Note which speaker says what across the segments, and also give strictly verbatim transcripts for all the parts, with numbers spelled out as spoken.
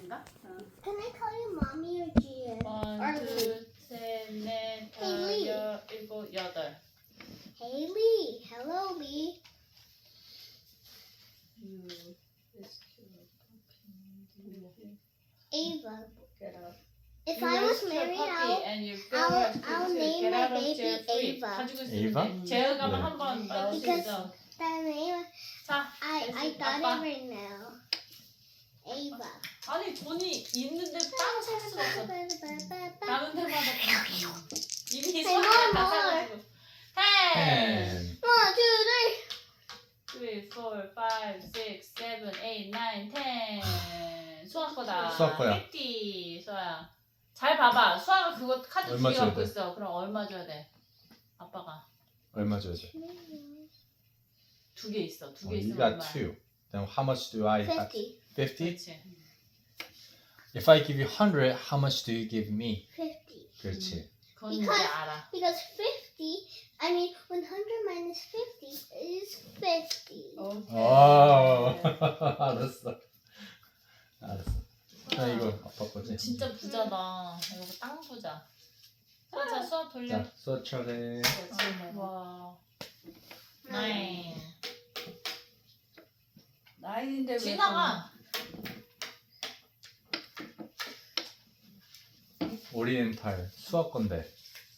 Speaker 1: 아닌가?
Speaker 2: Can I call you mommy or Gia?
Speaker 1: 원,
Speaker 2: Or
Speaker 1: 둘,
Speaker 2: Lee?
Speaker 1: 셋, 넷,
Speaker 2: Hey,
Speaker 1: 다섯,
Speaker 2: Lee.
Speaker 1: 여, 일곱, 여덟.
Speaker 2: Hey Lee. Hello Lee.
Speaker 1: You,
Speaker 2: Ava.
Speaker 3: Get up.
Speaker 2: If
Speaker 1: You
Speaker 2: I was
Speaker 1: rescue a
Speaker 2: married,
Speaker 1: puppy
Speaker 2: I'll
Speaker 1: and you feel
Speaker 2: I'll-
Speaker 1: rescued
Speaker 2: I'll
Speaker 1: too.
Speaker 2: name
Speaker 1: Get
Speaker 2: my
Speaker 1: out of
Speaker 2: baby
Speaker 1: jail free.
Speaker 2: Ava.
Speaker 1: 가지고
Speaker 4: Ava?
Speaker 1: 있으면 돼. 제어 가면
Speaker 4: 네.
Speaker 1: 한번 빨리 수
Speaker 2: Because-
Speaker 1: 있어.
Speaker 2: that name.
Speaker 1: 자,
Speaker 2: I I
Speaker 1: 됐어.
Speaker 2: got
Speaker 1: 아빠.
Speaker 2: it right now. Ava.
Speaker 1: 아니 돈이 있는데 따로 살 수가 없어. 가는 데마다 이미
Speaker 2: Hey,
Speaker 1: 수학을
Speaker 2: more,
Speaker 1: 다
Speaker 2: more.
Speaker 1: 사가지고. ten,
Speaker 4: ten,
Speaker 2: One, two, three.
Speaker 1: three, four, five, six, seven, eight, nine, ten. 수학 거다.
Speaker 4: 수학 거야.
Speaker 1: fifty. 수아야. 잘 봐봐. 수아가 그거 카드
Speaker 4: 얼마
Speaker 1: 두개
Speaker 4: 줘야
Speaker 1: 갖고
Speaker 4: 돼?
Speaker 1: 있어. 그럼 얼마 줘야 돼? 아빠가
Speaker 4: 얼마 줘야 돼?
Speaker 1: 두 개 있어. 두
Speaker 4: Oh,
Speaker 1: 개
Speaker 4: you
Speaker 1: 있으면
Speaker 4: got
Speaker 1: 얼마야?
Speaker 4: two. Then how much do I have?
Speaker 2: Fifty.
Speaker 4: Fifty.
Speaker 1: 그렇지.
Speaker 4: If I give you hundred, how much do you give me?
Speaker 2: Fifty.
Speaker 4: 그렇지.
Speaker 1: 그건 이제
Speaker 2: Because-
Speaker 1: 알아.
Speaker 2: Because fifty. I mean, one hundred minus fifty is fifty.
Speaker 3: Okay.
Speaker 4: 오, 알았어. 알았어. 자 이거 아빠 거지?
Speaker 1: 진짜 부자다. 이거 땅 부자. 수아 자 수학 돌려.
Speaker 4: 자, 수업 차례.
Speaker 1: 와. 나인.
Speaker 3: 나인인데 왜
Speaker 1: 지나가.
Speaker 4: 오리엔탈 수학 건데.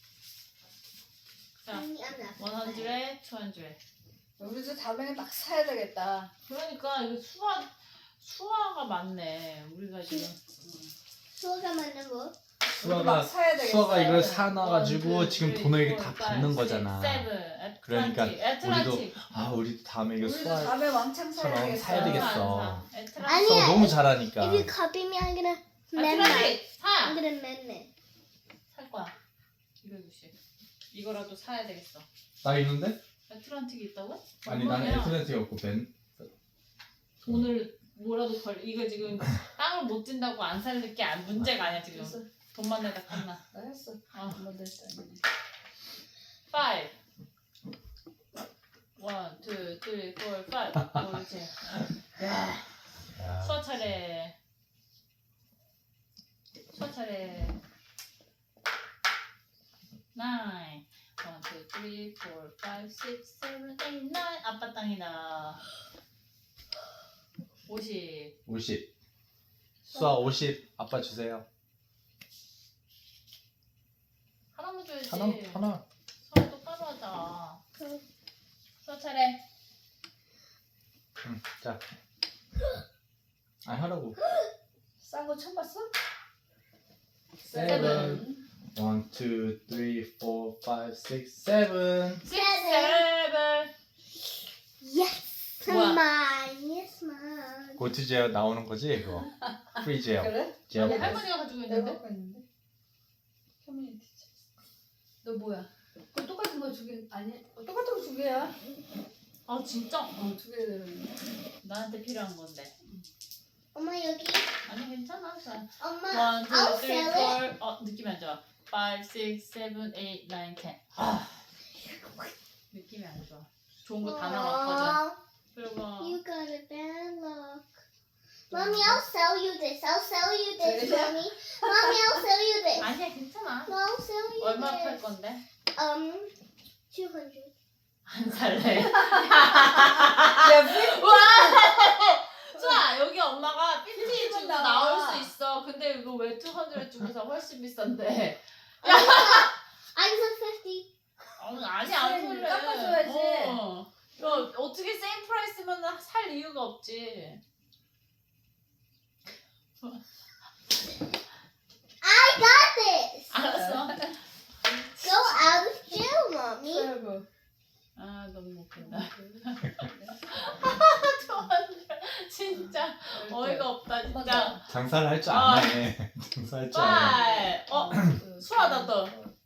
Speaker 1: 자,
Speaker 2: I'm not.
Speaker 1: one hundred, two hundred.
Speaker 3: 우리도 다음에 막 사야 되겠다.
Speaker 1: 그러니까 이거 수화 수화가 많네. 우리가 지금
Speaker 2: 수호가 만든 거.
Speaker 3: 막
Speaker 4: 수아가
Speaker 3: 사야 되겠어.
Speaker 4: 수아가 이걸 사놔가지고
Speaker 1: one, two,
Speaker 4: 지금
Speaker 1: three,
Speaker 4: 돈을
Speaker 1: four,
Speaker 4: 다
Speaker 1: five,
Speaker 4: 받는
Speaker 1: six,
Speaker 4: 거잖아.
Speaker 1: seven,
Speaker 4: 그러니까
Speaker 1: 애틀란틱.
Speaker 4: 아 우리도 다음에 이거
Speaker 3: 우리도
Speaker 4: 수아
Speaker 3: 다음에 왕창 사야
Speaker 4: 사람
Speaker 3: 되겠어.
Speaker 4: 사야 되겠어.
Speaker 1: 애틀란틱.
Speaker 2: 아니야.
Speaker 4: 수아 너무 잘하니까.
Speaker 2: If you copy me, I'm gonna mend that.
Speaker 1: 애틀란틱
Speaker 2: I'm
Speaker 1: 사.
Speaker 2: gonna mend it.
Speaker 1: 살 거야. 이백육십. 이거라도 사야 되겠어.
Speaker 4: 나 있는데?
Speaker 1: 애틀란틱이 있다고?
Speaker 4: 아니 나는
Speaker 1: 얼마냐?
Speaker 4: 에트랜틱 없고 벤.
Speaker 1: 돈을 뭐라도 걸 이거 지금 땅을 못 준다고 안 살 게 안 문제가 아니야 지금.
Speaker 3: 했어.
Speaker 1: 돈만 내다 끝나.
Speaker 3: 나 했어.
Speaker 1: 어.
Speaker 3: 한번 됐다.
Speaker 1: five. one, two, three, four, five. 옳지. 야,
Speaker 4: 야,
Speaker 1: 수화 차례. 수화 차례. nine. one, two, three, four, five, six, seven, eight, nine. 아빠 땅이다. 오십.
Speaker 4: 오십. 수아 오십. 아빠 주세요.
Speaker 1: 하나만 줘야지.
Speaker 4: 하나 하나.
Speaker 1: 수화 똑바로 하자. 수화 차례.
Speaker 4: 응. 자. 아 하라고.
Speaker 3: 싼거 처음 봤어?
Speaker 4: 세븐. One, two, three, four, five, six, seven.
Speaker 1: six, seven.
Speaker 2: Yes,
Speaker 1: What?
Speaker 2: mine. Yes, mine.
Speaker 4: 고트 제어 나오는 거지 그거. 프리 제어.
Speaker 3: 그래?
Speaker 4: 제어.
Speaker 1: 아니 할머니가 가지고
Speaker 3: 내가
Speaker 1: 있는데.
Speaker 3: 갖고 있는데. 커뮤니티 챗. 너 뭐야? 그 똑같은 거 두 개 아니? 어, 똑같은 거 두 개야.
Speaker 1: 아 진짜?
Speaker 3: 어, 두 개 들었는데.
Speaker 1: 나한테 필요한 건데.
Speaker 2: 엄마 여기.
Speaker 1: 아니 괜찮아. 자.
Speaker 2: 엄마,
Speaker 1: one, two,
Speaker 2: I'll
Speaker 1: three,
Speaker 2: sell it.
Speaker 1: four. 어 느낌이 안 좋아. five, six, seven, eight, nine, ten. 아 느낌이 안 좋아. 좋은 거 다 나왔거든.
Speaker 2: Aw,
Speaker 1: 그리고
Speaker 2: you got a bad luck. Mommy, I'll sell you this. I'll sell you this,
Speaker 3: Really?
Speaker 2: mommy. Mommy, I'll sell you this.
Speaker 1: 아니야 괜찮아.
Speaker 2: No, I'll sell you
Speaker 1: 얼마 팔
Speaker 2: this.
Speaker 1: 건데?
Speaker 2: Um, two hundred.
Speaker 1: 안 살래.
Speaker 3: 야, 왜?
Speaker 1: 와! 수아 여기 엄마가 삐삐 주고
Speaker 3: 나와.
Speaker 1: 나올 수 있어. 근데 이거 왜 이백 주고 사 훨씬 비싼데?
Speaker 2: I said fifty.
Speaker 1: 어, 아니 안
Speaker 3: 쌤,
Speaker 1: 설레.
Speaker 3: 깎아줘야지.
Speaker 1: 어. 이거 어떻게 세임 프라이스면 살 이유가 없지.
Speaker 2: I got this.
Speaker 1: 알았어.
Speaker 2: Go out of jail, mommy.
Speaker 3: 그리고
Speaker 1: 아 너무 웃긴다. 진짜 어이가 없다 진짜.
Speaker 4: 장사를 할 줄
Speaker 1: 아.
Speaker 4: 아네. 장사할 줄 아네.
Speaker 1: 빨. 어 수아다 또.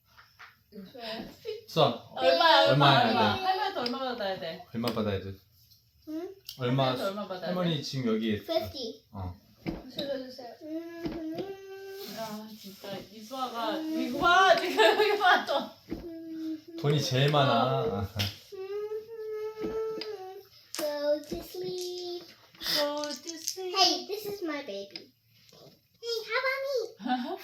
Speaker 4: 수아
Speaker 1: 얼마야 얼마
Speaker 4: 얼마야
Speaker 1: 얼마.
Speaker 4: 돼?
Speaker 1: 할머니한테 얼마 받아야 돼?
Speaker 4: 얼마 받아야 돼?
Speaker 2: 응?
Speaker 4: 얼마?
Speaker 1: 할머니한테 얼마 받아야 돼?
Speaker 4: 할머니 지금 여기
Speaker 2: Fifty.
Speaker 4: 어.
Speaker 3: 줄여주세요.
Speaker 2: Mhm.
Speaker 1: 야 진짜 이수아가 이거 봐 지금 이거 봐 또.
Speaker 2: Mhm.
Speaker 4: 돈이 제일 많아.
Speaker 2: Mhm. Go to sleep.
Speaker 1: Go to sleep.
Speaker 2: Hey, this is my baby. 하바미.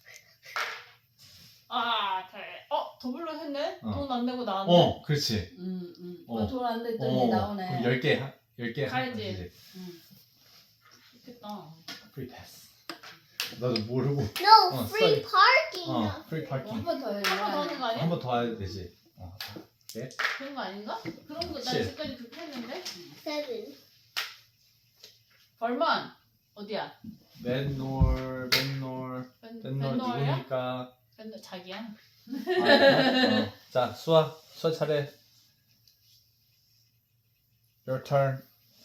Speaker 1: 아, 돼. 어, 더블로 했네?
Speaker 4: 어.
Speaker 1: 돈 안 내고 나왔네.
Speaker 4: 어, 그렇지.
Speaker 3: 음, 음.
Speaker 4: 어.
Speaker 3: 어, 돈안 냈더니
Speaker 4: 어,
Speaker 3: 나오네.
Speaker 4: 그럼 열 개, 열 개
Speaker 1: 가야지. 응. 좋겠다.
Speaker 4: 프리 패스. 나도 모르고.
Speaker 2: No,
Speaker 4: 어,
Speaker 2: free
Speaker 4: sorry.
Speaker 2: parking.
Speaker 4: 어,
Speaker 2: not
Speaker 4: 프리
Speaker 2: free.
Speaker 4: 파킹.
Speaker 3: 한 번 더 해야
Speaker 1: 한 번 더 하는 거 아니야?
Speaker 4: 한 번 더 해야 되지. 어.
Speaker 1: 그런 거 아닌가? 그런 거, 나
Speaker 4: 그치.
Speaker 1: 지금까지 그렇게 했는데?
Speaker 2: Seven.
Speaker 1: 벌만! 어디야?
Speaker 4: 맨놀, 맨놀,
Speaker 1: 벤,
Speaker 4: 맨놀
Speaker 1: 벤노어야?
Speaker 4: 누구니까?
Speaker 1: 벤노, 자기야?
Speaker 4: 아, 어. 자, 수아, 수아 차례. Your turn.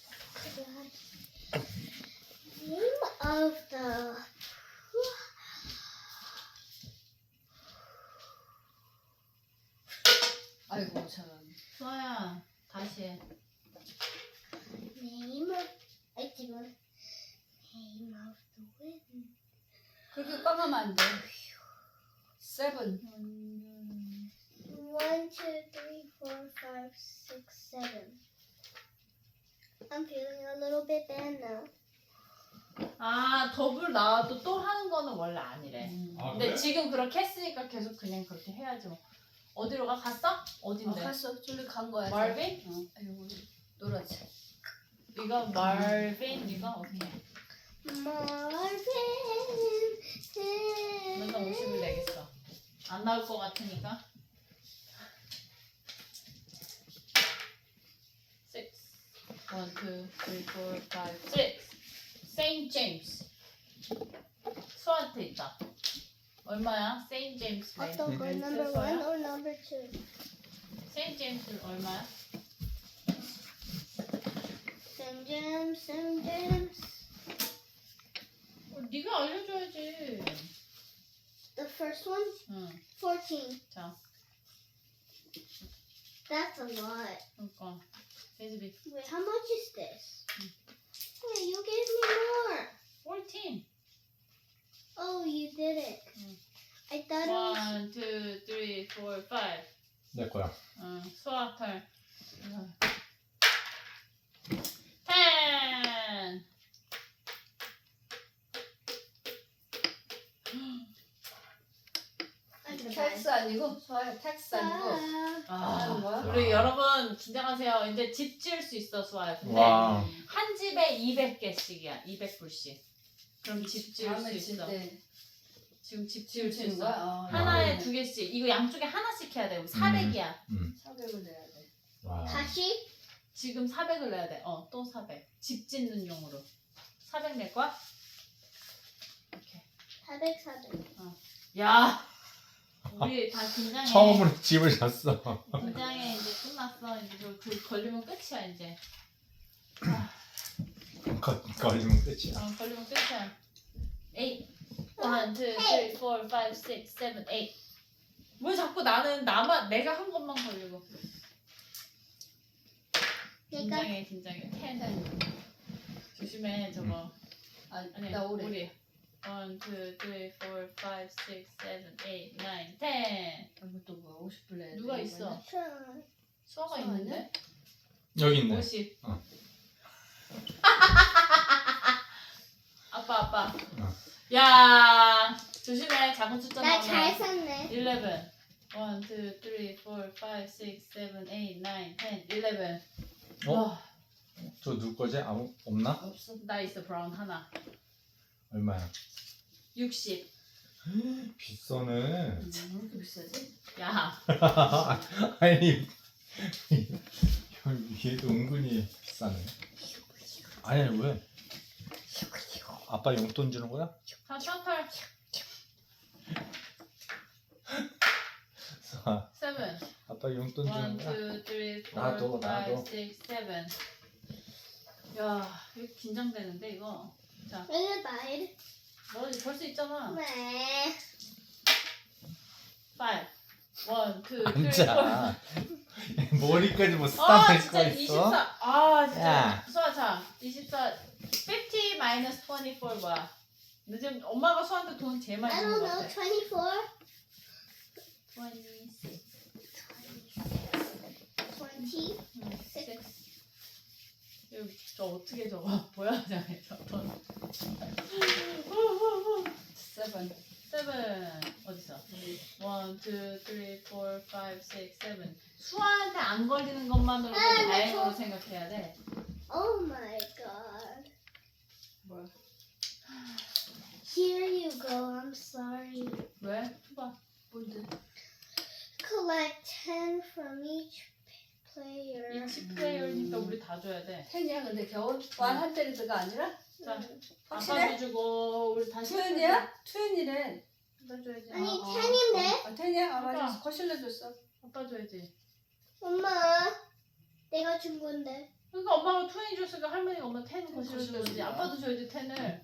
Speaker 2: Name of the.
Speaker 3: 아이고 참.
Speaker 1: 수아야, 다시 해.
Speaker 2: Name of. I did one. Name of the wind.
Speaker 3: 그렇게 꽝하면 안 돼. Seven.
Speaker 2: One, two, three, four, five, six, seven. I'm feeling a little bit bad now.
Speaker 1: 아, 더블 나와도 또 하는 거는 원래 아니래.
Speaker 3: 음.
Speaker 4: 아,
Speaker 1: 근데
Speaker 4: 그래?
Speaker 1: 지금 그렇게 했으니까 계속 그냥 그렇게 해야지 뭐. 어디로 가? 갔어?
Speaker 3: 어,
Speaker 1: 어딘데?
Speaker 3: 갔어. 저리 간 거야.
Speaker 1: 말빈?
Speaker 3: 어. 아이고 노랗지.
Speaker 1: 이거 말빈 이거 오케이.
Speaker 2: Marvin.
Speaker 1: 맨날 오십을 내겠어. 안 나올 것 같으니까. Six. One, two, three, four, five, six. Saint James. 수한테 있다. 얼마야? Saint James 렌.
Speaker 2: 어떤 거?
Speaker 1: 렌트
Speaker 2: Number
Speaker 1: 써야?
Speaker 2: one or number two?
Speaker 1: Saint James 얼마야?
Speaker 2: Some gems, some gems.
Speaker 1: 어, 네가 알려줘야지.
Speaker 2: The first one,
Speaker 1: 응.
Speaker 2: fourteen.
Speaker 1: 자,
Speaker 2: That's a lot.
Speaker 1: 그러니까 베이비
Speaker 2: Wait, how much is this? Wait, you gave me more.
Speaker 1: fourteen.
Speaker 2: Oh, you did it.
Speaker 1: Mm.
Speaker 2: I thought it was.
Speaker 1: One, two, three, four, five.
Speaker 4: 내 거야.
Speaker 1: 응, 수학 털. ten.
Speaker 2: I forgot.
Speaker 3: 텍스 아니고 서야 텍스 아니고.
Speaker 2: Ah.
Speaker 3: 하는 거야?
Speaker 1: 우리 여러분 긴장하세요. 이제 집 지을 수 있어 수아야. 근데
Speaker 4: 와.
Speaker 1: 한 집에 이백 개씩이야. 이백 불씩. 그럼 집 지을 수
Speaker 3: 다음에
Speaker 1: 있어.
Speaker 3: 칠때
Speaker 1: 지금 집 지을 수
Speaker 3: 치는
Speaker 1: 있어.
Speaker 3: 거야? 어,
Speaker 1: 하나에 두 개씩. 이거 양쪽에 하나씩 해야 돼. 그럼 사백이야.
Speaker 4: 음.
Speaker 3: 사백을 내야 돼.
Speaker 4: 와.
Speaker 2: 다시?
Speaker 1: 지금 사백을 내야 돼. 어, 또 사백. 집 짓는 용으로. 사백 낼 거야? 오케이.
Speaker 2: 사백, 사백.
Speaker 1: 야, 우리 다 긴장해.
Speaker 4: 처음으로 집을 샀어.
Speaker 1: 긴장해. 이제 끝났어. 이제 그, 그 걸리면 끝이야 이제.
Speaker 4: 거, 걸리면 끝이야.
Speaker 1: 어, 걸리면 끝이야. eight. one, two, three, four, five, six, seven, eight. 왜 자꾸 나는 나만 내가 한 것만 걸리고.
Speaker 2: 내가
Speaker 1: 긴장해, 긴장해. ten. 조심해 저거.
Speaker 3: 아,
Speaker 1: 아니,
Speaker 3: 나 오래.
Speaker 1: 우리. one, two, three, four, five, six, seven, eight, nine, ten.
Speaker 3: 이것도 뭐야? 오십 불 내야 돼.
Speaker 1: 누가
Speaker 3: 이거는?
Speaker 1: 있어?
Speaker 2: try.
Speaker 1: 수아가
Speaker 3: 수아
Speaker 1: 있는데?
Speaker 4: 여기 있네.
Speaker 1: 오십.
Speaker 4: 어.
Speaker 1: 아빠, 아빠.
Speaker 4: 어.
Speaker 1: 야, 조심해. 작은 숫자
Speaker 2: 나 잘
Speaker 1: 나오면.
Speaker 2: 샀네.
Speaker 1: eleven. one, two, three, four, five, six, seven, eight, nine, ten, eleven.
Speaker 4: 어?
Speaker 1: 와,
Speaker 4: 저 누구 거지? 아무 없나?
Speaker 3: 없어.
Speaker 1: 나 있어 브라운 하나.
Speaker 4: 얼마야?
Speaker 1: 육십.
Speaker 4: 비싸네.
Speaker 3: 음, 왜 이렇게 비싸지?
Speaker 1: 야,
Speaker 4: 아니 얘도 은근히 비싸네. 아니 아니 왜? 아빠 용돈 주는 거야?
Speaker 1: 다 셔틀.
Speaker 4: 아,
Speaker 1: seven.
Speaker 4: 아빠 용돈 주는
Speaker 1: one,
Speaker 4: 거야?
Speaker 1: two, three, four,
Speaker 4: 나도,
Speaker 1: five,
Speaker 4: 나도.
Speaker 1: six, seven. 야, 이거 긴장되는데 이거. 자,
Speaker 2: 이거 봐야
Speaker 1: 너 벌 수 있잖아.
Speaker 2: 네.
Speaker 1: five. one, two, three, four.
Speaker 4: 앉아. 머리까지 뭐
Speaker 1: 아
Speaker 4: 스탑할
Speaker 1: 진짜
Speaker 4: 수가 있어?
Speaker 1: 이십사. 아 진짜.
Speaker 4: 야.
Speaker 1: 수아 자 이십사. fifty minus twenty-four 뭐야? 너 지금 엄마가 수아한테 돈 제일 많이
Speaker 2: I
Speaker 1: 주는
Speaker 2: don't
Speaker 1: 거
Speaker 2: know.
Speaker 1: 같아.
Speaker 2: twenty-four.
Speaker 1: twenty-six.
Speaker 2: twenty.
Speaker 1: six. 이거 저 어떻게 저거 보여야 돼? 돈. 줘야 돼.
Speaker 3: 텐이야 근데 겨울 완 한때리드가 아니라
Speaker 1: 자,
Speaker 3: 확실해?
Speaker 1: 아빠도 주고 우리 다시.
Speaker 3: 투엔이야? 투엔이래.
Speaker 1: 아빠 줘야지.
Speaker 2: 아니,
Speaker 3: 어, 어.
Speaker 2: 텐인데?
Speaker 3: 아 텐이야? 아 맞아.
Speaker 1: 아빠.
Speaker 3: 거실로 줬어.
Speaker 1: 아빠 줘야지.
Speaker 2: 엄마, 내가 준 건데.
Speaker 1: 그러니까 엄마가 투엔이 줬으니까 할머니가 엄마 텐 거실로
Speaker 3: 거실로
Speaker 1: 줘야지.
Speaker 3: 주는 거야.
Speaker 1: 아빠도 줘야지 텐을.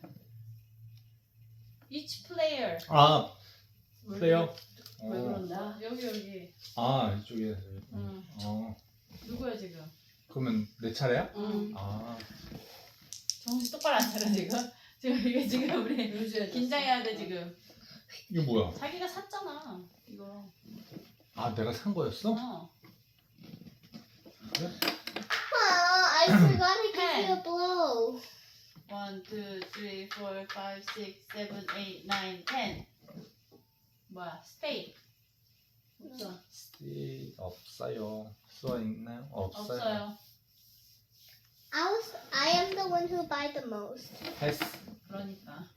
Speaker 1: Each player.
Speaker 4: 아
Speaker 1: 왜
Speaker 4: 플레이어.
Speaker 1: 그래? 왜
Speaker 4: 어.
Speaker 1: 그런다? 여기 여기.
Speaker 4: 아 이쪽에.
Speaker 1: 응.
Speaker 4: 어
Speaker 1: 누구야 지금?
Speaker 4: 그러면 내 차례야?
Speaker 3: 응.
Speaker 4: 아
Speaker 1: 정신 똑바로 안 차려 지금. 지금 이게 지금 우리
Speaker 3: 요즘에
Speaker 1: 긴장해야 돼 지금.
Speaker 4: 이거 뭐야?
Speaker 1: 자기가 샀잖아 이거.
Speaker 4: 아 내가 산 거였어?
Speaker 1: 어.
Speaker 4: 그래?
Speaker 2: Ah, I forgot to give you a blow.
Speaker 1: One, two, three, four, five, six, seven, eight, nine, ten. 뭐야? Stay.
Speaker 3: 없어.
Speaker 4: 스티 없어요. 써 있나요? 없어요.
Speaker 1: 없어요.
Speaker 2: I was, I am the one who buy the most.
Speaker 4: 패스.
Speaker 1: 그러니까.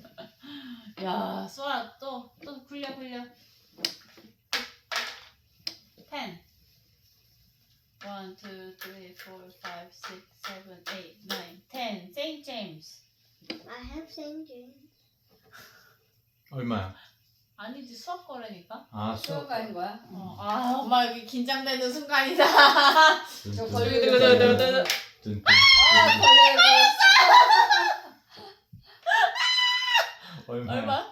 Speaker 1: 야, 수아 또또 굴려 굴려. ten. One, two, three, four, five, six, seven, eight, nine, ten. Saint James.
Speaker 2: I have Saint James.
Speaker 4: 얼마야?
Speaker 1: 아니지 수학 거라니까.
Speaker 4: 아 수업.
Speaker 3: 수업 가는 거야?
Speaker 1: 어, 아 엄마 여기 긴장되는 순간이다.
Speaker 3: 저 걸리고
Speaker 1: 두두두두두.
Speaker 4: 뚠뚠.
Speaker 3: 아 걸리고.
Speaker 4: 얼마야?
Speaker 1: 얼마?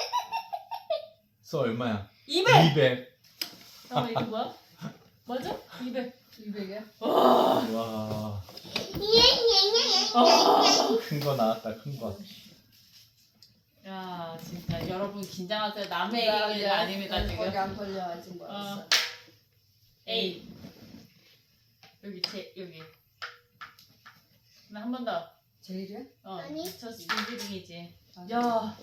Speaker 4: 수 얼마야?
Speaker 1: 이백.
Speaker 4: 이백.
Speaker 1: 잠깐만 이거 뭐야? 맞아? 이백.
Speaker 3: 이백이야?
Speaker 1: 와.
Speaker 4: 와.
Speaker 1: 아.
Speaker 4: 큰 거 나왔다. 큰 거.
Speaker 1: 야 진짜 여러분 긴장하세요. 남의
Speaker 3: 나
Speaker 1: 얘기가
Speaker 3: 이제
Speaker 1: 아닙니다
Speaker 3: 거기
Speaker 1: 지금.
Speaker 3: 안 걸려 아직 멀었어.
Speaker 1: 어. 에이. 여기 제 여기. 나 한 번 더.
Speaker 3: 제일이야?
Speaker 1: 어.
Speaker 2: 아니.
Speaker 1: 저 인지링이지.
Speaker 3: 아.
Speaker 1: 야.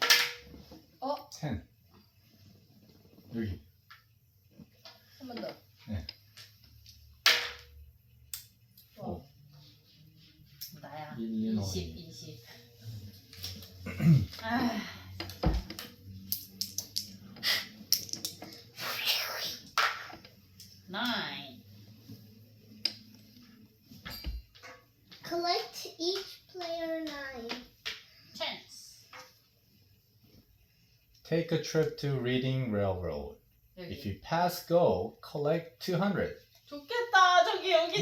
Speaker 4: 텐. 여기.
Speaker 3: 한 번 더.
Speaker 4: 오.
Speaker 1: 나야.
Speaker 4: 일리노이.
Speaker 1: 이십 이십. 아. nine.
Speaker 2: Collect each player nine.
Speaker 1: chance.
Speaker 4: Take a trip to Reading Railroad.
Speaker 1: 여기.
Speaker 4: If you pass go, collect two hundred.
Speaker 1: 좋겠다. 저기 여기
Speaker 4: 이백.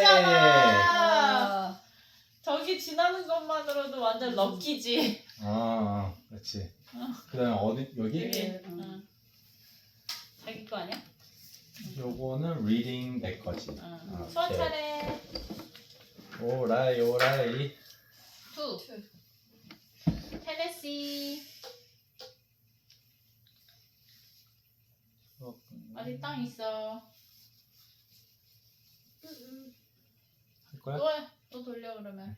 Speaker 1: 지났잖아.
Speaker 3: 아,
Speaker 1: 저기 지나는 것만으로도 완전 럭키지.
Speaker 4: 아, 그렇지.
Speaker 1: 어.
Speaker 4: 그다음에 어디 여기?
Speaker 1: 여기.
Speaker 3: 응.
Speaker 1: 응. 자기 거 아니야?
Speaker 4: 요거는 reading 내 거지.
Speaker 1: 응.
Speaker 4: 아,
Speaker 1: 수학
Speaker 4: 오케이.
Speaker 1: 차례.
Speaker 4: 오라이 오라이.
Speaker 1: 투.
Speaker 3: 투.
Speaker 1: 테네시. 어디 땅 있어?
Speaker 4: 할 거야?
Speaker 1: 또 해. 또 돌려 그러면.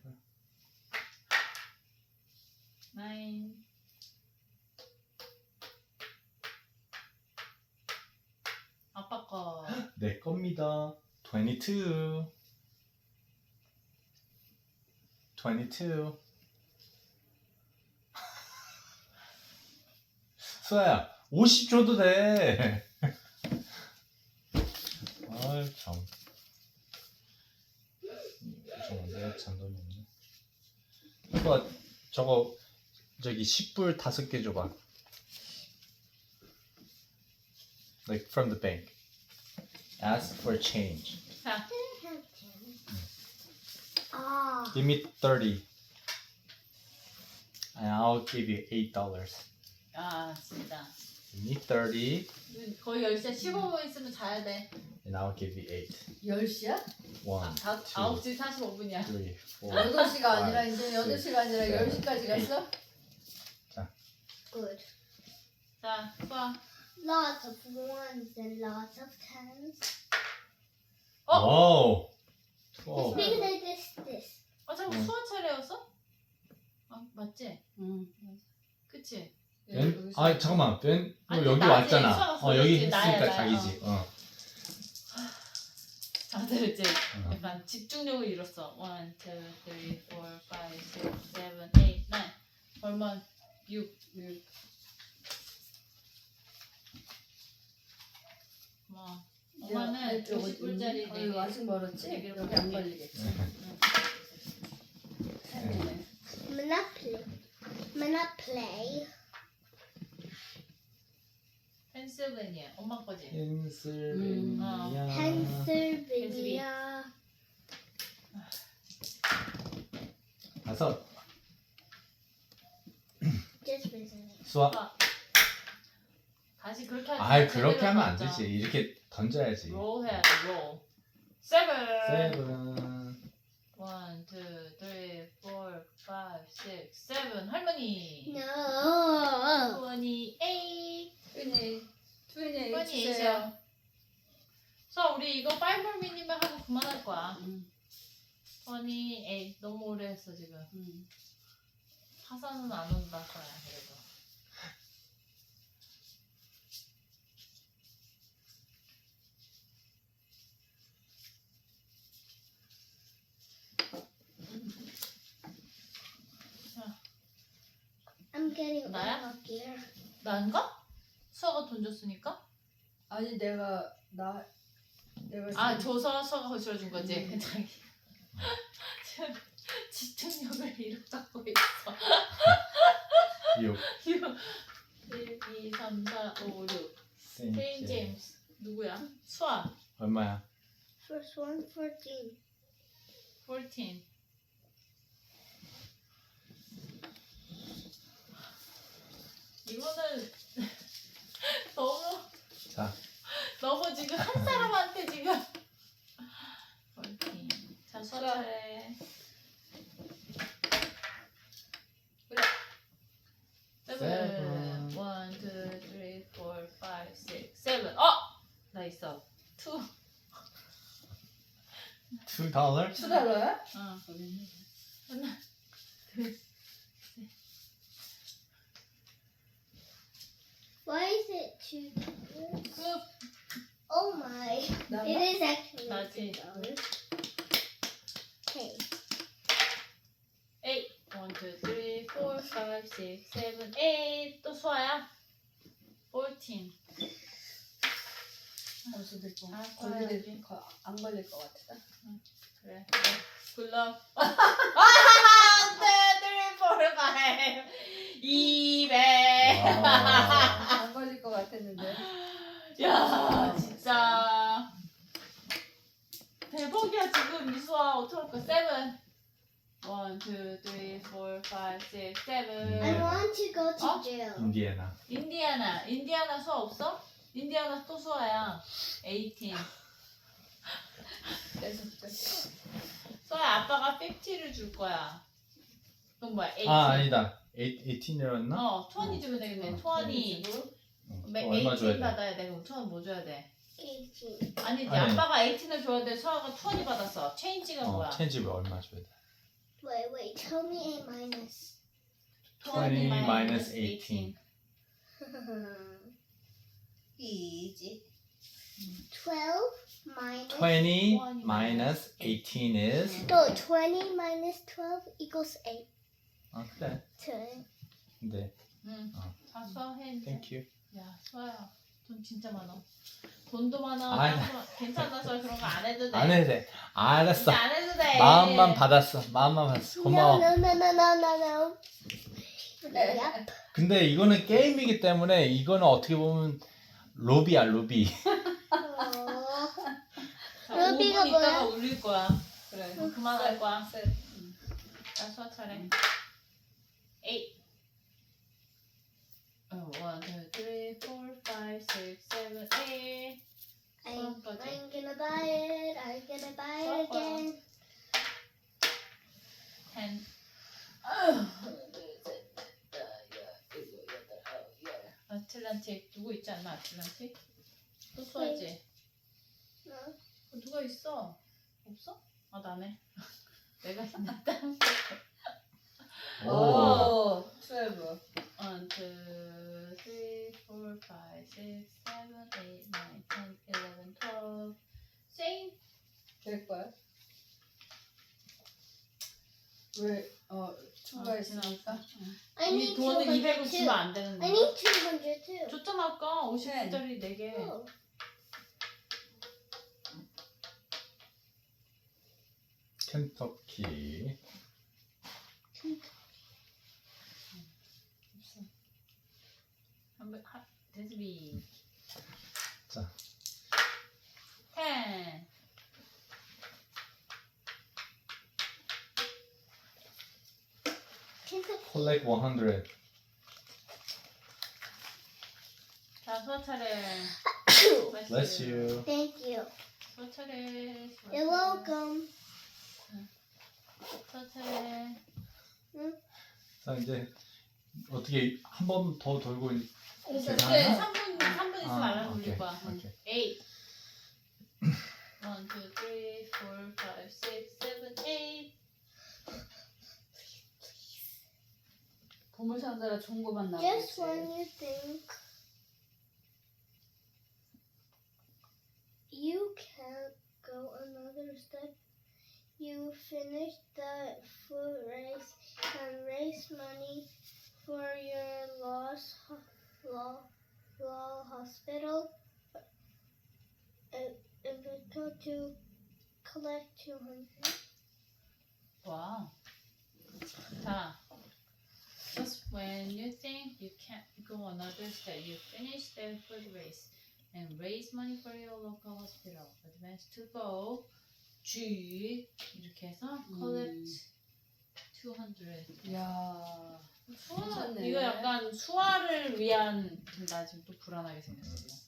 Speaker 1: 나인. 아빠 거.
Speaker 4: 내 겁니다. twenty-two. twenty-two. 수아야, 오십 줘도 돼. 아이 참. 잠깐만, 내가 잔돈이 없네. 오빠 저거 저기 십 불 다섯 개 줘봐. Like from the bank. Ask for change.
Speaker 1: 자,
Speaker 2: Didn't have ten. Ah.
Speaker 4: Give me thirty. And I'll give you eight dollars.
Speaker 1: 아 진짜.
Speaker 4: Give me thirty,
Speaker 1: 거의 열 시에 십오 분 있으면 자야 돼.
Speaker 4: and I'll give you eight.
Speaker 3: 열 시야?
Speaker 4: One,
Speaker 1: 다,
Speaker 4: two,
Speaker 1: 아홉 시 사십오 분이야.
Speaker 4: three, four.
Speaker 3: 여덟 시가 아니라
Speaker 4: five,
Speaker 3: 이제 여덟
Speaker 4: six,
Speaker 3: 시가 아니라
Speaker 4: seven,
Speaker 3: 열 시까지 갔어?
Speaker 2: Good.
Speaker 1: 자, 수아.
Speaker 2: Lots of ones and lots of tens.
Speaker 1: 어?
Speaker 4: Whoa.
Speaker 2: It's
Speaker 4: twelve.
Speaker 2: because I did this.
Speaker 1: 아 잠깐
Speaker 4: 응.
Speaker 1: 수아 차례였어? 아 맞지?
Speaker 3: 응.
Speaker 1: 그치?
Speaker 4: 벤? 아 잠깐만, 벤. 너
Speaker 1: 아니,
Speaker 4: 여기
Speaker 1: 나지.
Speaker 4: 왔잖아.
Speaker 1: 수아가
Speaker 4: 어 여기
Speaker 1: 걸렸지.
Speaker 4: 했으니까
Speaker 1: 나야, 나야.
Speaker 4: 자기지. 어.
Speaker 1: 다들 이제
Speaker 4: 어.
Speaker 1: 약간 집중력을 잃었어. one, two, three, four, five, six, seven, eight, nine. 얼마? 육.
Speaker 3: 육.
Speaker 1: 뭐
Speaker 3: 엄마는
Speaker 1: 엄마는 오십 불짜리
Speaker 3: 어,
Speaker 1: 네
Speaker 3: 이거
Speaker 1: 개.
Speaker 3: 아직 멀었지?
Speaker 1: 네 개로
Speaker 3: 여기 안
Speaker 1: 볼게.
Speaker 3: 걸리겠지?
Speaker 1: 응.
Speaker 3: 네.
Speaker 2: Monopoly. Monopoly.
Speaker 1: 펜실베니아. 엄마 거지.
Speaker 4: 펜실베니아.
Speaker 2: Pennsylvania.
Speaker 4: 다섯.
Speaker 2: Just recently.
Speaker 4: 수학.
Speaker 1: 수학. 다시 그렇게 하지.
Speaker 4: 아 그렇게 하면 안 되지. 이렇게 던져야지.
Speaker 1: 롤 해야 돼. 롤. 세븐.
Speaker 4: 세븐.
Speaker 1: 원, 투, 쓰리, 포, 파이브, 식스, 세븐. 할머니.
Speaker 2: No.
Speaker 1: 이십팔.
Speaker 3: 트윈이 트윈이
Speaker 1: 이십팔
Speaker 3: 주세요.
Speaker 1: 이세요. 그래서 우리 이거 파이브 미니만 하고 그만할 거야.
Speaker 3: 음,
Speaker 1: 이십팔. 너무 오래 했어 지금.
Speaker 3: 음.
Speaker 1: 하산은 안 온다 거야 그래도.
Speaker 2: I'm getting
Speaker 1: 나야?
Speaker 2: all here.
Speaker 1: 난가? 수아가 돈 줬으니까?
Speaker 3: 아니 내가 나 내가
Speaker 1: 아
Speaker 3: 지금-
Speaker 1: 줘서 수아가 거실어준 거지.
Speaker 3: 음.
Speaker 1: 자기 집중력을 잃어가고 있어.
Speaker 4: 육.
Speaker 1: 일, 이, 삼, 사, 오, 육. 세인
Speaker 4: 세인트.
Speaker 1: 제임스 누구야? 수아.
Speaker 4: 얼마야?
Speaker 2: First one, fourteen.
Speaker 1: 십사. 이거는 너무
Speaker 4: 자.
Speaker 1: 너무 지금 한 사람한테 지금 십사. 자 수아
Speaker 3: 수아.
Speaker 1: 차례.
Speaker 3: 그래.
Speaker 1: 세븐. 원, 투, 쓰리, 포, 파이브, 식스, 세븐. 어! 나 있어. 투.
Speaker 4: two dollar?
Speaker 3: 투 달러야?
Speaker 1: 어. 하나, 둘.
Speaker 2: Why is it two dollars?
Speaker 1: 그
Speaker 2: Oh my.
Speaker 3: 나
Speaker 2: It is actually
Speaker 1: 나지.
Speaker 2: two dollars. Okay.
Speaker 1: eight. one, two, three, four, five, six, seven, eight. 또 수아야. fourteen.
Speaker 3: 벌써 됐고
Speaker 1: 아,
Speaker 3: 걸릴
Speaker 1: 걸려야지.
Speaker 3: 거- 안 걸릴 것 같아.
Speaker 1: 그래. 굿럭. 안 돼. three, four, five. 이백.
Speaker 4: 와.
Speaker 3: 안 걸릴 것 같았는데.
Speaker 1: 야, 진짜. 대박이야, 지금 이수아. 어떡할 거야. seven. one, two, three, four, five, six, seven.
Speaker 2: I want to go to
Speaker 1: Huh?
Speaker 2: jail.
Speaker 4: 인디애나.
Speaker 1: 인디아나. 인디아나 수아 없어? 인디아나 또 수아야. eighteen.
Speaker 3: 뺏어 뺏어.
Speaker 1: 수아야, 아빠가 fifty를 줄 거야. 그럼 뭐야? eighteen.
Speaker 4: 아 아니다. eighteen이었나?
Speaker 1: 어, twenty 주면 되겠네. twenty. 매-
Speaker 4: 얼마 줘야
Speaker 1: eighteen
Speaker 4: 돼?
Speaker 1: 받아야 돼. 그럼 twenty 뭐 줘야 돼?
Speaker 2: eighteen.
Speaker 1: 아니지.
Speaker 4: 아니.
Speaker 1: 아빠가 eighteen을 줘야 돼. 수아가 twenty 받았어. 체인지가 뭐야?
Speaker 4: 어, 체인지가 얼마 줘야 돼?
Speaker 2: Wait, wait. Tell me a minus.
Speaker 4: twenty minus eighteen.
Speaker 3: 이지.
Speaker 2: twelve minus.
Speaker 4: twenty
Speaker 1: twenty
Speaker 4: minus eighteen is.
Speaker 2: No, twenty minus twelve equals eight.
Speaker 4: 아 그래.
Speaker 2: Two.
Speaker 4: 근데
Speaker 1: 응.
Speaker 4: 어.
Speaker 1: 다 수아 해 이제.
Speaker 4: thank you.
Speaker 1: 야, 수아야. 돈 진짜 많아. 돈도 많아.
Speaker 4: 아이.
Speaker 1: 딴 거- 괜찮아, 수아. 그런 거 안 해도 돼.
Speaker 4: 안 해도 돼. 알았어.
Speaker 1: 진짜 안 해도 돼.
Speaker 4: 마음만 받았어. 마음만 받았어. 고마워.
Speaker 2: No, no, no, no, no, no, no. Yep.
Speaker 4: 근데 이거는 게임이기 때문에 이거는 어떻게 보면 로비야 로비.
Speaker 2: Oh.
Speaker 1: 자,
Speaker 2: 루비가
Speaker 1: 오 분 있다가
Speaker 2: 뭐야?
Speaker 1: 울릴 거야.
Speaker 3: 그래.
Speaker 1: 그럼 그만할 거야.
Speaker 3: 셋.
Speaker 1: 자, 수아 차례. eight. 어, one, two, three, four, five, six, seven, eight.
Speaker 2: I'm,
Speaker 1: 수아까지.
Speaker 2: I'm gonna buy it. I'm gonna buy
Speaker 1: 수아
Speaker 2: it
Speaker 1: 거야.
Speaker 2: again.
Speaker 1: ten. 아틀란틱 누구 있지 않나? 아틀란틱? 또 수아지?
Speaker 2: No.
Speaker 1: 어, 누가 있어? 없어? 아 나네. 내가 있는다.
Speaker 4: 오.
Speaker 3: 오. twelve.
Speaker 1: one, two, three, four, five, six, seven, eight, nine, ten, eleven, twelve. same.
Speaker 3: 될 거야? 왜? 어 추가했으니까.
Speaker 2: I
Speaker 1: 이
Speaker 2: need
Speaker 1: 돈은
Speaker 2: two
Speaker 1: 이백을
Speaker 2: hundred
Speaker 1: 주면
Speaker 2: too.
Speaker 1: 안 되는
Speaker 2: I
Speaker 1: 거야.
Speaker 2: need two hundred too.
Speaker 1: 줬잖아 아까 오십 불짜리 네 개.
Speaker 2: Oh.
Speaker 4: 켄터키.
Speaker 1: 한번 하 대수비.
Speaker 4: 자.
Speaker 1: ten.
Speaker 4: 콜렉 백.
Speaker 1: 자, 수아 차례.
Speaker 4: Bless you.
Speaker 2: Thank you.
Speaker 1: 수아 차례. 수아
Speaker 2: You're
Speaker 1: 차례.
Speaker 2: welcome.
Speaker 1: 수아 차례.
Speaker 4: 자 이제 어떻게 한 번 더 돌고 있-
Speaker 1: 이제
Speaker 4: 제가
Speaker 1: 삼 분 삼 분 있으면
Speaker 4: 아,
Speaker 1: 알람 울릴
Speaker 4: 오케이,
Speaker 1: 거야.
Speaker 4: 오케이.
Speaker 1: eight. one, two, three, four, five, six, seven, eight.
Speaker 3: 보물 상자라 좋은 거만
Speaker 2: Just
Speaker 3: 나오겠지.
Speaker 2: when you think you can't go another step, you finish the foot race and raise money for your lost ho- law, law hospital. Invito to collect two hundred.
Speaker 1: 와. 자. Just when you think you can't go another step, you finish the foot race and raise money for your local hospital. Advance to go. G 이렇게 해서 collect two hundred.
Speaker 3: 이야.
Speaker 1: 수아,
Speaker 3: 괜찮네.
Speaker 1: 이거 약간 수아를 위한. 나 지금 또 불안하게 생겼어. 지금.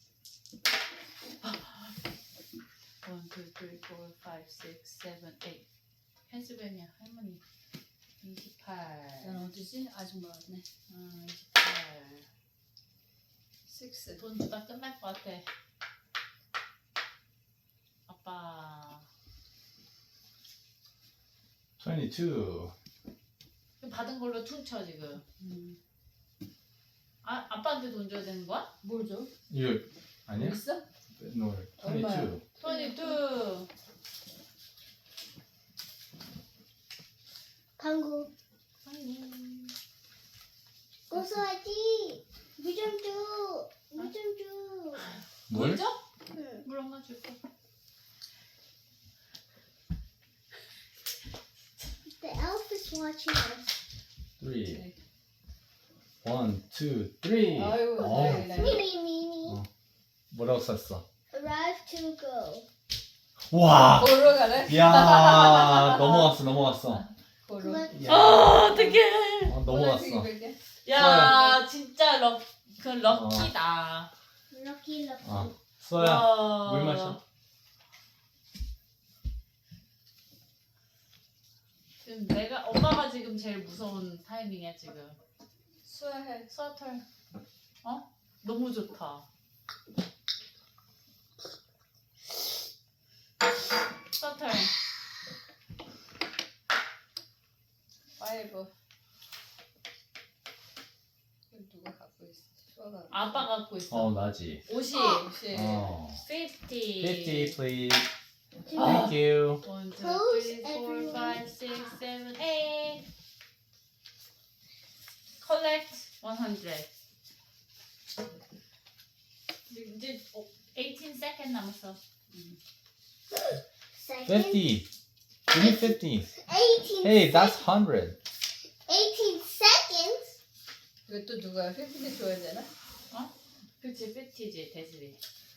Speaker 1: one, two, three, four, five, six, seven, eight. 펜실베니아 할머니. 이십팔.
Speaker 3: 난 어디지? 아직 멀었네.
Speaker 1: 음, 이십팔.
Speaker 3: six.
Speaker 1: 돈 주다 끝날 것 같아. 아빠.
Speaker 4: 이십이.
Speaker 1: 받은 걸로 퉁쳐 지금.
Speaker 3: 음.
Speaker 1: 아 아빠한테 돈 줘야 되는 거야?
Speaker 3: 뭘 줘?
Speaker 4: 이거 아니야?
Speaker 3: 있어?
Speaker 4: No.
Speaker 3: 얼마야?
Speaker 4: 이십이.
Speaker 1: 이십이.
Speaker 2: 방구.
Speaker 1: 아니.
Speaker 2: 고소하지. 물 좀 줘. 물 좀 줘.
Speaker 4: 뭘?
Speaker 1: 물 줘?
Speaker 2: 응.
Speaker 1: 물 엄마 줄게.
Speaker 2: The elf is watching us.
Speaker 4: three. one, two, three.
Speaker 3: 아유,
Speaker 4: 어,
Speaker 3: 나이, 나이.
Speaker 2: Mini, mini.
Speaker 4: 어. 뭐라고 썼어?
Speaker 2: Arrive to go.
Speaker 4: 와.
Speaker 3: 보러 가래?
Speaker 4: 야 넘어갔어 넘어갔어.
Speaker 3: 보러.
Speaker 2: Collect.
Speaker 4: 야.
Speaker 1: 아 어떡해.
Speaker 4: 어, 넘어갔어.
Speaker 1: 야 진짜 럭, 그 럭키다.
Speaker 2: Lucky, lucky.
Speaker 4: 어. 수아야
Speaker 1: 와.
Speaker 4: 물 마셔.
Speaker 1: 지금 내가 엄마가 지금 제일 무서운 타이밍이야 지금.
Speaker 3: 수아해.
Speaker 1: 수아털. 어? 너무 좋다. 수아털.
Speaker 3: 파이브. 이거 누가 갖고 있어? 수아가.
Speaker 1: 아빠 갖고 있어.
Speaker 4: 어 나지.
Speaker 1: 오십.
Speaker 3: 혹시
Speaker 4: 어.
Speaker 1: fifty.
Speaker 4: fifty please.
Speaker 2: To
Speaker 4: Thank you.
Speaker 1: one, two,
Speaker 2: Close
Speaker 1: three, four,
Speaker 2: everyone.
Speaker 1: five, six, seven, eight. Collect one hundred. 이제 어, eighteen second 남았어.
Speaker 2: second.
Speaker 4: fifty. Give me fifty.
Speaker 2: eighteen.
Speaker 4: Hey, that's one hundred.
Speaker 2: eighteen seconds.
Speaker 3: 이거 또 누가 피피티 줘야 되나?
Speaker 1: 그치, fifty지, 대시리.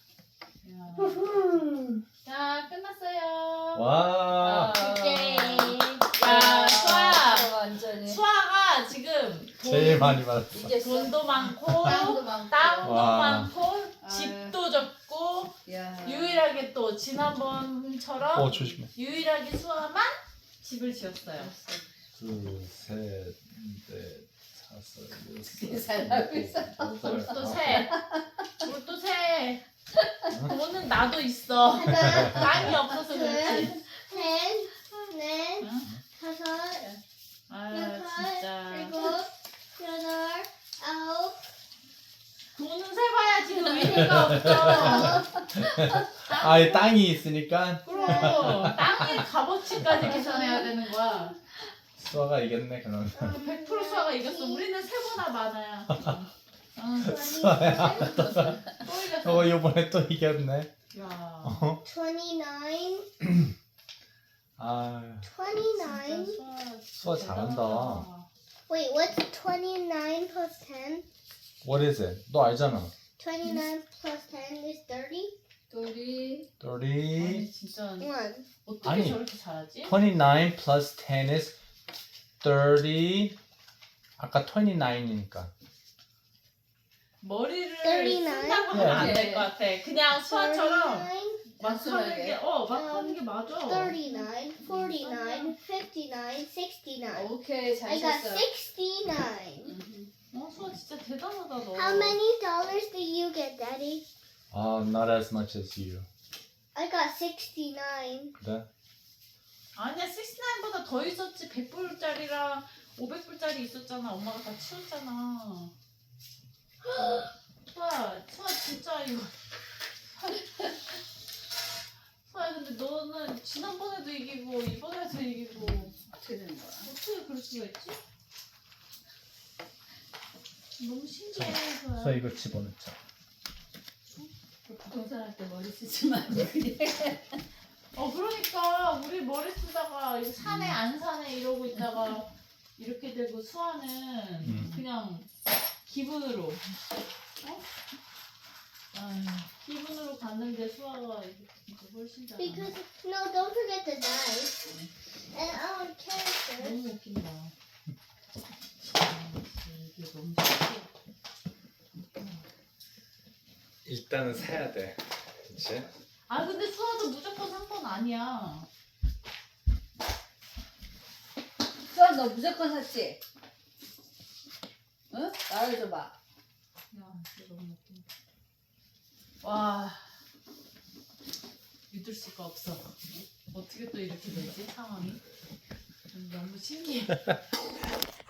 Speaker 1: 자, 끝났어요.
Speaker 4: 와.
Speaker 1: 오케이.
Speaker 3: 아,
Speaker 1: 야, 수아야.
Speaker 3: 수아 완전히.
Speaker 1: 수아가 지금 돈,
Speaker 4: 제일 많이 받았어.
Speaker 3: 이게
Speaker 1: 돈도 많고,
Speaker 3: 땅도 많고.
Speaker 1: 땅도
Speaker 4: 와.
Speaker 1: 많고,
Speaker 3: 아유.
Speaker 1: 집도 적고,
Speaker 3: 야.
Speaker 1: 유일하게 또 지난번처럼
Speaker 4: 어 조심해.
Speaker 1: 유일하게 수아만 집을 지었어요.
Speaker 4: 둘, 셋, 넷, 다섯,
Speaker 3: 어떻게
Speaker 4: 여섯,
Speaker 3: 살라고 있어?
Speaker 4: 일곱,
Speaker 1: 또
Speaker 4: 여덟,
Speaker 1: 세. 또 세. 돈은 나도 있어. 땅이 없어서 그렇지.
Speaker 2: 셋, 넷,
Speaker 1: 응?
Speaker 2: 다섯,
Speaker 1: 아
Speaker 2: 여섯,
Speaker 1: 진짜.
Speaker 2: 일곱, 여덟, 아홉,
Speaker 1: 돈은 세봐야 지금 의미가 없어.
Speaker 4: 아예 땅이 있으니까
Speaker 1: 그럼 땅의 값어치까지 계산해야 되는 거야.
Speaker 4: 수아가 이겼네 그러면.
Speaker 1: 백 퍼센트 수아가 이겼어. 우리는 세보다 많아야. 응.
Speaker 4: 수아야.
Speaker 1: 또 이겼어.
Speaker 4: 어 이번에 또 이겼네.
Speaker 1: 야.
Speaker 4: 어?
Speaker 2: twenty-nine,
Speaker 4: 아,
Speaker 2: twenty-nine.
Speaker 1: 진짜
Speaker 4: 수아 잘한다.
Speaker 1: 대단하다.
Speaker 2: Wait, what's twenty-nine plus ten?
Speaker 4: What is it? 너 알잖아.
Speaker 2: twenty-nine plus ten is thirty?
Speaker 3: 둘이
Speaker 4: thirty.
Speaker 1: 아니 진짜
Speaker 2: one.
Speaker 1: 어떻게
Speaker 4: 아니.
Speaker 1: 저렇게 잘하지?
Speaker 4: twenty-nine plus ten is thirty. 아까 twenty-nine이니까.
Speaker 1: 머리를
Speaker 2: thirty-nine?
Speaker 1: 쓴다고 하면 안
Speaker 3: 네.
Speaker 1: 될 것 같아. 그냥 수아처럼
Speaker 2: thirty-nine,
Speaker 1: 막 하는
Speaker 3: 단순하게.
Speaker 1: 게, 어, 막 하는 게 맞아.
Speaker 2: thirty-nine, forty-nine, fifty-nine, sixty-nine.
Speaker 3: 오케이 잘
Speaker 2: I got
Speaker 3: 쳤어.
Speaker 2: sixty-nine.
Speaker 3: 음.
Speaker 1: 어, 수아 진짜 대단하다 너.
Speaker 2: How many dollars did you get, Daddy?
Speaker 4: 아, not as much as you.
Speaker 2: I got sixty-nine.
Speaker 4: 그래?
Speaker 1: 아니야, 육십구보다 더 있었지. 백 불짜리랑 오백 불짜리 있었잖아. 엄마가 다 치웠잖아. 수아, 수아 진짜 이거. 수아 근데 너는 지난번에도 이기고 이번에도 이기고
Speaker 3: 어떻게 되는 거야?
Speaker 1: 어떻게 그럴 수가 있지? 너무 신기해. 수아.
Speaker 4: 수아 이거 집어넣자.
Speaker 3: 부동산 할 때 머리 쓰지 말고 그냥.
Speaker 1: 어 그러니까 우리 머리 쓰다가 이거 사네 안 사네 이러고 있다가 이렇게 되고 수아는
Speaker 4: 음.
Speaker 1: 그냥 기분으로 어? 아유, 기분으로 갔는데 수아가 이게 진짜 훨씬 잘
Speaker 2: Because, no, don't forget the dice. And our character.
Speaker 1: 너무 웃긴다. 아, 이게 너무 신기해.
Speaker 4: 일단은 사야 돼. 그치?
Speaker 1: 아 근데 수아도 무조건 산 건 아니야.
Speaker 3: 수아 너 무조건 샀지? 응? 말해줘봐.
Speaker 1: 야 진짜 너무 웃긴다. 와 믿을 수가 없어. 어떻게 또 이렇게 되지 상황이? 너무 신기해.